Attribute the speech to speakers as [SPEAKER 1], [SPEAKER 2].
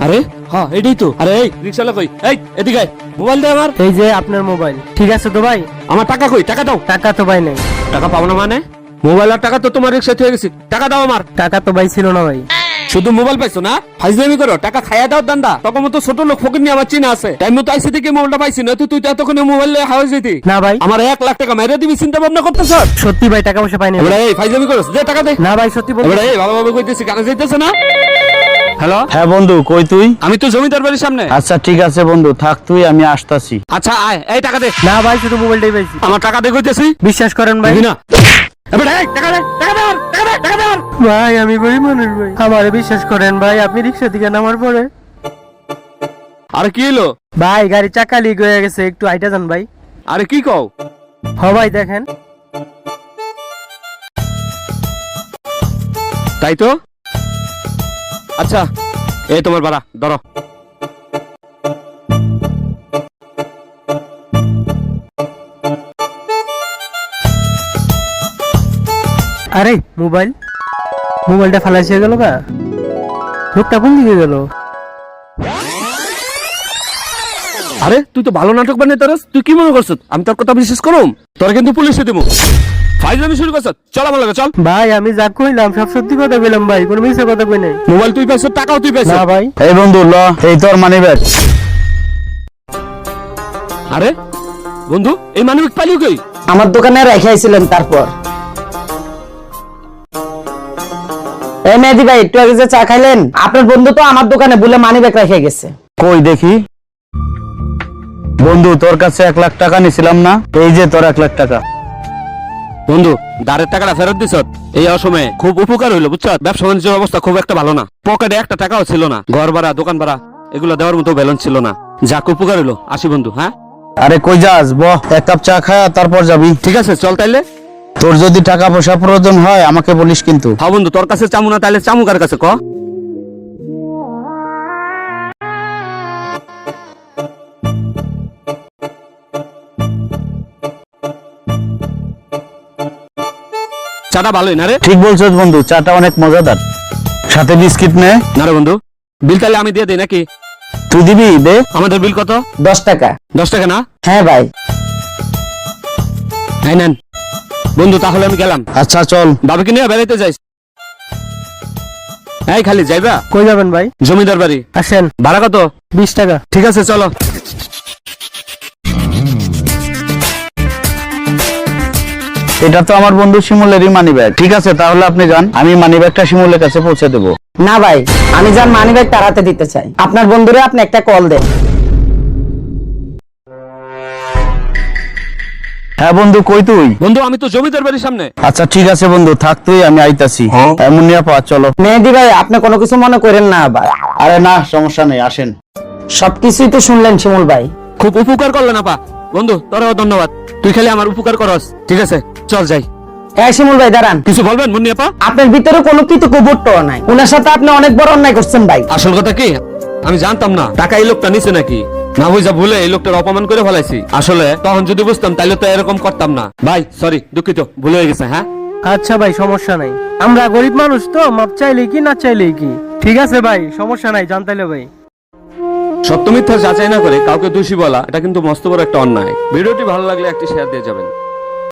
[SPEAKER 1] আরে হ্যাঁ এটাই তো। আরে এই রিকশাওয়ালা কই? এই এদিকে আয়, মোবাইল দে আমার।
[SPEAKER 2] এই যে আপনার মোবাইল। ঠিক আছে তো ভাই?
[SPEAKER 1] আমার টাকা কই? টাকা দাও।
[SPEAKER 2] টাকা তো ভাই নেই।
[SPEAKER 1] টাকা পাবো না মানে? মোবাইল আর টাকা তো তোমার রিকশায় থেকে গেছি, টাকা দাও আমার।
[SPEAKER 2] টাকা তো ভাই ছিল না ভাই।
[SPEAKER 1] শুধু মোবাইল পাইছো না? ফাইজলামি করো, টাকা খাইয়া দাও দান্দা। তখন মতো ছোট লোক ফকির নিয়ে আমার চিনা আছে, টাইম মতো আইসি থেকে মোবাইলটা পাইছি না, তুই তো এতক্ষণে মোবাইল হাওয়া যেতি
[SPEAKER 2] না ভাই।
[SPEAKER 1] আমার 1 লাখ টাকা মেরে দিবি চিন্তা ভাবনা করতেছ?
[SPEAKER 2] সত্যি ভাই টাকা পয়সা পাইনি।
[SPEAKER 1] এবারে এই ফাইজলামি করছ, দে টাকা দে।
[SPEAKER 2] না ভাই সত্যি বল।
[SPEAKER 1] এবারে এই ভালোভাবে কইতেছি, কানে যাইতেছে না? হ্যালো,
[SPEAKER 3] হ্যাঁ বন্ধু, কই তুই?
[SPEAKER 1] আমি তো জমিদার বাড়ির সামনে।
[SPEAKER 3] আচ্ছা ঠিক আছে বন্ধু, থাক তুই, আমি আসতাছি।
[SPEAKER 1] আচ্ছা আয়, এই টাকা দে।
[SPEAKER 2] না ভাই শুধু মোবাইলটাই পাইছি।
[SPEAKER 1] আমার টাকা দে কইতেছি।
[SPEAKER 2] বিশ্বাস করেন ভাই।
[SPEAKER 1] দিবি না? এবারে এই টাকা দে, টাকা দে আমার, টাকা দে, টাকা দে আমার।
[SPEAKER 2] ভাই আমি গরিব মানুষ ভাই, আমারে বিশ্বাস করেন ভাই। আপনি রিক্সা থেকে নামার পরে
[SPEAKER 1] আরে কি হলো
[SPEAKER 2] ভাই গাড়ি চাকা লিক হয়ে গেছে, একটু আইটা যান ভাই।
[SPEAKER 1] আরে কি কও?
[SPEAKER 2] হ ভাই দেখেন।
[SPEAKER 1] তাই তো। আচ্ছা এই তোমার ভাড়া ধরো।
[SPEAKER 2] আরে মোবাইলটা ফালাইছে গেল গা। লোকটা কোন দিকে গেল?
[SPEAKER 1] আরে তুই তো ভালো নাটক বানিয়ে তোরস, তুই কি মনে করছ আমি তোর কথা বিশ্বাস করুম? তোর কিন্তু পুলিশে দেবো। ফাইজলামি শুরু করছ, চল আমার লগে চল।
[SPEAKER 2] ভাই আমি যা কইলাম সব সত্যি কথা কইলাম ভাই, কোনো মিথ্যা কথা কই নাই।
[SPEAKER 1] মোবাইল তুই পাইছ, টাকাও তুই পাইছ।
[SPEAKER 2] না ভাই।
[SPEAKER 3] এই বন্ধু ল, এই তোর মানি ব্যাগ।
[SPEAKER 1] আরে বন্ধু এই মানিব্যাগ পালিও কই?
[SPEAKER 4] আমার দোকানে রেখে আইছিলেন। তারপর এই মেহেদি ভাই, একটু আগে যে চা খাইলেন, আপনার বন্ধু তো আমার দোকানে বলে মানি ব্যাগ রেখে গেছে।
[SPEAKER 3] কই দেখি। বন্ধু তোর কাছে 1 লাখ টাকা নিছিলাম না, এই যে তোর 1 লাখ টাকা।
[SPEAKER 1] বন্ধু দাঁড়ের টাকাটা ফেরত দিছ, এই অসময়ে খুব উপকার হইলো বুঝছ। ব্যবসা বাণিজ্যের অবস্থা খুব একটা ভালো না, পকেটে একটা টাকাও ছিল না, ঘর ভাড়া দোকান ভাড়া এগুলো দেওয়ার মতো ব্যালেন্স ছিল না। যাক উপকার হইলো, আসি বন্ধু। হ্যাঁ
[SPEAKER 3] আরে কই যাস, বহ, 1 কাপ চা খা তারপর যাবি।
[SPEAKER 1] ঠিক আছে চল তাইলে।
[SPEAKER 3] তোর যদি টাকা পয়সা প্রয়োজন হয় আমাকে বলিস কিন্তু।
[SPEAKER 1] হ্যাঁ বন্ধু, তোর কাছে চামু না তাইলে চামু কার কাছে ক? চাটা ভালোই না রে?
[SPEAKER 3] ঠিক বলছিস বন্ধু, চাটা অনেক মজাদার, সাথে বিস্কিট নে।
[SPEAKER 1] না রে বন্ধু, বিল তাহলে আমি দিয়ে দিই নাকি?
[SPEAKER 3] তুই দিবি? দে।
[SPEAKER 1] আমাদের বিল কত?
[SPEAKER 4] 10 টাকা।
[SPEAKER 1] 10 টাকা না?
[SPEAKER 4] হ্যাঁ ভাই।
[SPEAKER 1] হ্যাঁ নেন বন্ধু, তাহলে আমি গেলাম।
[SPEAKER 3] আচ্ছা চল।
[SPEAKER 1] বাবাকে নিয়ে বেড়াইতে যাইস। এই খালি যাইবা?
[SPEAKER 2] কই যাবেন ভাই?
[SPEAKER 1] জমিদার বাড়ি।
[SPEAKER 2] আসেন।
[SPEAKER 1] ভাড়া কত?
[SPEAKER 2] 20 টাকা।
[SPEAKER 1] ঠিক আছে চলো।
[SPEAKER 3] এটা তো আমার বন্ধু শিমুলেরই মানি ব্যাগ। ঠিক আছে তাহলে আপনি যান, আমি মানি ব্যাগটা শিমুলের কাছে পৌঁছে দেবো।
[SPEAKER 4] না ভাই, আমি যার মানি ব্যাগ তাড়াতে দিতে চাই। আপনার বন্ধুরে আপনি একটা কল দেন।
[SPEAKER 3] হ্যাঁ বন্ধু, কই তুই?
[SPEAKER 1] বন্ধু আমি তো জমিদার বাড়ির সামনে।
[SPEAKER 3] আচ্ছা ঠিক আছে বন্ধু, থাক তুই, আমি আইতাছি। এমন নিয়ে পা চলো।
[SPEAKER 4] মেহেদি ভাই, আপনি কোনো কিছু মনে করেন না আবার।
[SPEAKER 3] আরে না, সমস্যা নেই, আসেন।
[SPEAKER 4] সবকিছুই তো শুনলেন শিমুল ভাই।
[SPEAKER 1] খুব উপকার করলেন আপা। বন্ধু তোরাও ধন্যবাদ, তুই খালি আমার উপকার করস। ঠিক আছে চল যাই।
[SPEAKER 4] হ্যাঁ শিমুল ভাই দাঁড়ান।
[SPEAKER 1] কিছু বলবেন মুন্নি আপা?
[SPEAKER 4] আপনার ভিতরে কোনো কৃতজ্ঞবোধ নাই। ওনার সাথে আপনি অনেক বড় অন্যায় করছেন ভাই।
[SPEAKER 1] আসল কথা কি, আমি জানতাম না টাকা এই লোকটা নিছে নাকি। না বুঝা ভুলে এই লোকটার অপমান করে ফেলাইছি। আসলে তখন যদি বুঝতাম তাহলে তো এরকম করতাম না। ভাই সরি, দুঃখিত, ভুল হয়ে গেছে। হ্যাঁ
[SPEAKER 2] আচ্ছা ভাই সমস্যা নাই, আমরা গরিব মানুষ তো, মাপ চাইলেই কি না চাইলেই কি। ঠিক আছে ভাই সমস্যা নাই, জানতাইলে ভাই।
[SPEAKER 1] সত্য মিথ্যা যাচাই না করে কাউকে দোষী বলা, এটা কিন্তু মস্ত বড় একটা অন্যায়। ভিডিওটি ভালো লাগলে একটি শেয়ার দিয়ে যাবেন।